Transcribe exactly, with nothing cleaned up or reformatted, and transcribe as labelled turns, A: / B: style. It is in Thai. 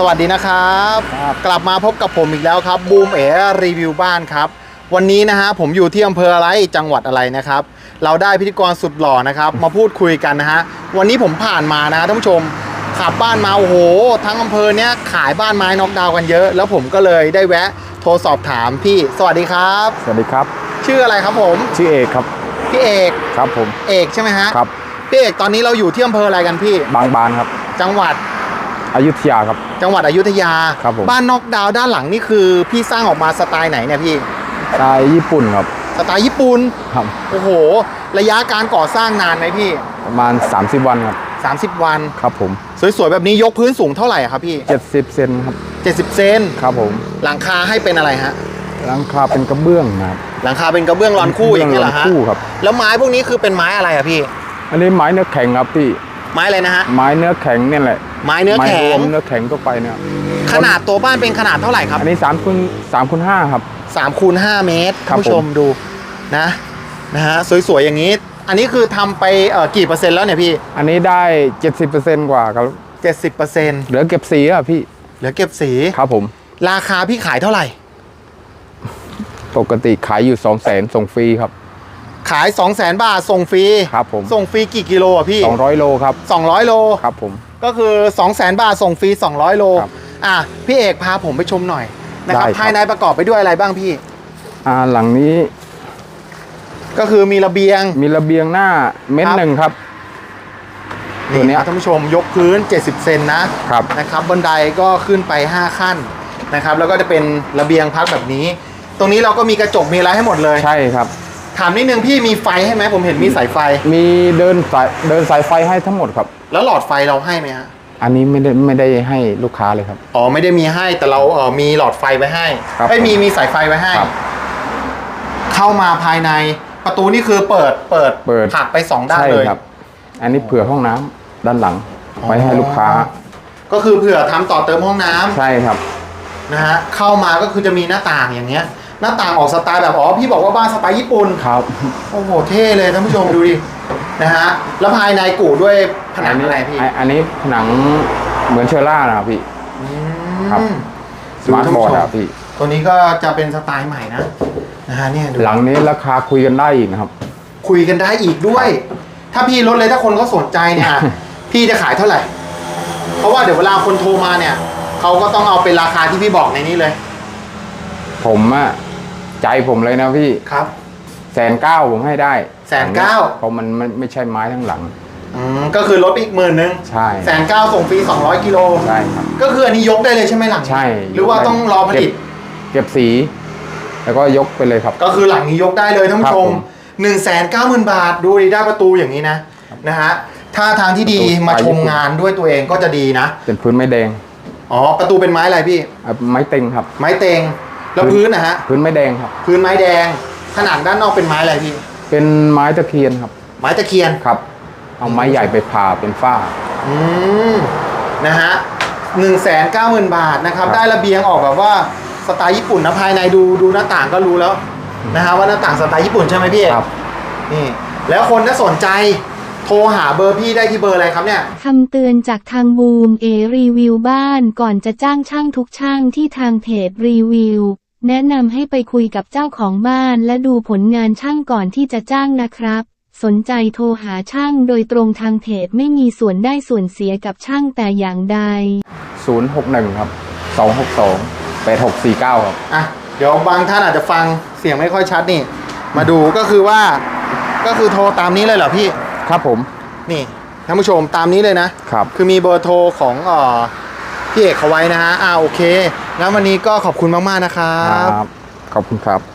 A: วัสดีนะครับกลับมาพบกับผมอีกแล้วครับบูมเอ๋รีวิวบ้านครับวันนี้นะฮะผมอยู่ที่อำเภออะไรจังหวัดอะไรนะครับเราได้พิธีกรสุดหล่อนะครับมาพูดคุยกันนะฮะวันนี้ผมผ่านมานะท่านผู้ชมขับบ้านมาโอ้โหทั้งอำเภอเนี้ยขายบ้านไม้น็อกดาวน์กันเยอะแล้วผมก็เลยได้แวะโทรสอบถามพี่สวัสดีครับ
B: สวัสดีครับ
A: ชื่ออะไรครับผม
B: ชื่อเอกครับ
A: พี่เอก
B: ครับผม
A: เอกใช่ไหมฮะ
B: ครับ
A: พี่เอกตอนนี้เราอยู่ที่อำเภออะไรกันพี่
B: บางบานครับ
A: จังหวัด
B: อยุธยาครับ
A: จังหวัดอยุธยา
B: ครับผม
A: บ้านน็อกดาวน์ด้านหลังนี่คือพี่สร้างออกมาสไตล์ไหนเนี่ยพี่
B: สไตล์ญี่ปุ่นครับ
A: สไตล์ญี่ปุ่น
B: ครับ
A: โอ้โหระยะการก่อสร้างนานไหมพี่
B: ประมาณสามสิบวันครับ
A: สามสิบวัน
B: ครับผม
A: สวยๆแบบนี้ยกพื้นสูงเท่าไหร่ครับพี่
B: เจ็ดสิบเซนครับ
A: เจ็ดสิบเซน
B: ครับผม
A: หลังคาให้เป็นอะไรฮะ
B: หลังคาเป็นกระเบื้องนะครับ
A: หลังคาเป็นกระเบื้องรอนคู่อย่างนี้เหรอฮะ
B: คู่ครับ
A: แล้วไม้พวกนี้คือเป็นไม้อะไรอะพี่
B: อันนี้ไม้เนื้อแข็งครับพี่
A: ไม้อะไรนะฮะ
B: ไม้เนื้อแข็งนี่แหละ
A: ไม้เนื้อแข็ง
B: เนื้อแข็งทั่วไปเนี่ย
A: ขนาดตัวบ้านเป็นขนาดเท่าไหร่ครับ
B: อันนี้สามคูณสามคูณห้าครับ
A: สามคูณห้าเมตรท่านผู้ชมดูนะนะฮะสวยๆอย่างนี้อันนี้คือทำไปเอ่อกี่เปอร์เซ็นต์แล้วเนี่ยพี่
B: อันนี้ได้เจ็ดสิบเปอร์เซ็นต์กว่าครับ
A: เจ็ดสิบเปอร์เซ็นต์
B: เหลือเก็บสีอ่ะพี่
A: เหลือเก็บสี
B: ครับผม
A: ราคาพี่ขายเท่าไหร่
B: ปกติขายอยู่สองแสนส่งฟรีครับ
A: ขายสองแสนบาทส่งฟรี
B: ครับผม
A: ส่งฟรีกี่กิโลอ่ะพี่
B: สองร้อยโลครับ
A: สองร้อยโล
B: ครับผม
A: ก็คือสองแสนบาทส่งฟรีสองร้อยโลอ่ะพี่เอกพาผมไปชมหน่อยนะครับภายในประกอบไปด้วยอะไรบ้างพี่
B: อ่าหลังนี้
A: ก็คือมีระเบียง
B: มีระเบียงหน้าเม้นหนึ่งครับ
A: ตัวนี้ท่านผู้ชมยกพื้นเจ็ดสิบเซนนะครับนะครับบันไดก็ขึ้นไปห้าขั้นนะครับแล้วก็จะเป็นระเบียงพักแบบนี้ตรงนี้เราก็มีกระจกมีอะไรให้หมดเลย
B: ใช่ครับ
A: ถามนิดนึงพี่มีไฟให้ไหมผมเห็นมีสายไฟ
B: มีเดินสายเดินสายไฟให้ทั้งหมดครับ
A: แล้วหลอดไฟเราให้ไหมฮะ
B: อันนี้ไม่ได้ไม่ได้ให้ลูกค้าเลยครับ
A: อ๋อไม่ได้มีให้แต่เราเออมีหลอดไฟไว้ให้ไม่มีมีสายไฟไว้ให้เข้ามาภายในประตูนี่คือเปิดเปิด
B: เปิด
A: ผลักไปสองด้านเลย
B: ครับอันนี้เผื่อห้องน้ำด้านหลังไว้ให้ลูกค้า
A: ก็คือเผื่อทำต่อเติมห้องน้ำ
B: ใช่ครับ
A: นะฮะเข้ามาก็คือจะมีหน้าต่างอย่างเงี้ยหน้าต่างออกสไตล์แบบอ๋อพี่บอกว่าบ้านสไตล์ญี่ปุ่น
B: ครับ
A: โอ้โหเท่เลยท่านผู้ชมดูดินะฮะแล้วภายในกู่ด้วยผนังอะไรพี่
B: อันนี้ผนังเหมือนเชอร่านะครับพี่ครับสมาร์ทบอร์ดครับพี่
A: ตัวนี้ก็จะเป็นสไตล์ใหม่นะนะฮะเนี่ย
B: หลังนี้ราคาคุยกันได้อีกนะครับ
A: คุยกันได้อีกด้วยถ้าพี่ลดเลยถ้าคนเขาสนใจเนี่ยพี่จะขายเท่าไหร่เพราะว่าเดี๋ยวเวลาคนโทรมาเนี่ยเขาก็ต้องเอาเป็นราคาที่พี่บอกในนี้เลย
B: ผมอะใจผมเลยนะพี่
A: ครับ
B: แสนเก้าผมให้ได้
A: แสนเก้า
B: เพราะมันมันไม่ใช่ไม้ทั้งหลัง
A: อืมก็คือลดอีกหมื่นนึง
B: ใช่
A: แสนเก้าส่งฟรีสองร้อยกิโล
B: ใช่ครับ
A: ก็คืออันนี้ยกได้เลยใช่ไหมหลัง
B: ใช่
A: หรือว่าต้องรอผลิต
B: เก็บสีแล้วก็ยกไปเลยครับ
A: ก็คือหลังนี้ยกได้เลยท่านผู้ชมหนึ่งแสนเก้าหมื่นบาทดูดีได้ประตูอย่างนี้นะนะฮะถ้าทางที่ดีมาชมงานด้วยตัวเองก็จะดีนะ
B: เป็นพื้นไม้แดง
A: อ๋อประตูเป็นไม้อะไรพี่
B: ไม้เต็งครับ
A: ไม้เต็งแล้วพื้นนะฮะ
B: พื้นไม้แดงครับ
A: พื้นไม้แดงผนังด้านนอกเป็นไม้อะไรพี่
B: เป็นไม้ตะเคียนครับ
A: ไม้ตะเคียน
B: ครับเอาไม้ใหญ่ไปผ่าเป็นฝ้า
A: อืมนะฮะหนึ่งแสนเก้าหมื่นบาทนะครับได้ระเบียงออกแบบว่าสไตล์ญี่ปุ่นนะภายในดูดูหน้าต่างก็รู้แล้วนะฮะว่าหน้าต่างสไตล์ญี่ปุ่นใช่ไหมพี่ครับนี่แล้วคนถ้าสนใจโทรหาเบอร์พี่ได้ที่เบอร์อะไรครับเนี่ย
C: คำเตือนจากทางบูมเอรีวิวบ้านก่อนจะจ้างช่างทุกช่างที่ทางเพจรีวิวแนะนำให้ไปคุยกับเจ้าของบ้านและดูผลงานช่างก่อนที่จะจ้างนะครับสนใจโทรหาช่างโดยตรงทางเพจไม่มีส่วนได้ส่วนเสียกับช่างแต่อย่างใด
B: ศูนย์หกหนึ่งครับสองหกสองแปดหกสี่เก้าครับ
A: อ่ะเดี๋ยวบางท่านอาจจะฟังเสียงไม่ค่อยชัดนี่มาดูก็คือว่าก็คือโทรตามนี้เลยเหรอพี่
B: ครับผม
A: นี่ท่านผู้ชมตามนี้เลยนะครับคือมีเบอร์โทรของเอ่อพี่เอกเขาไว้นะฮะอ่าโอเคงั้นวันนี้ก็ขอบคุณมากๆนะครับ
B: ขอบคุณครับ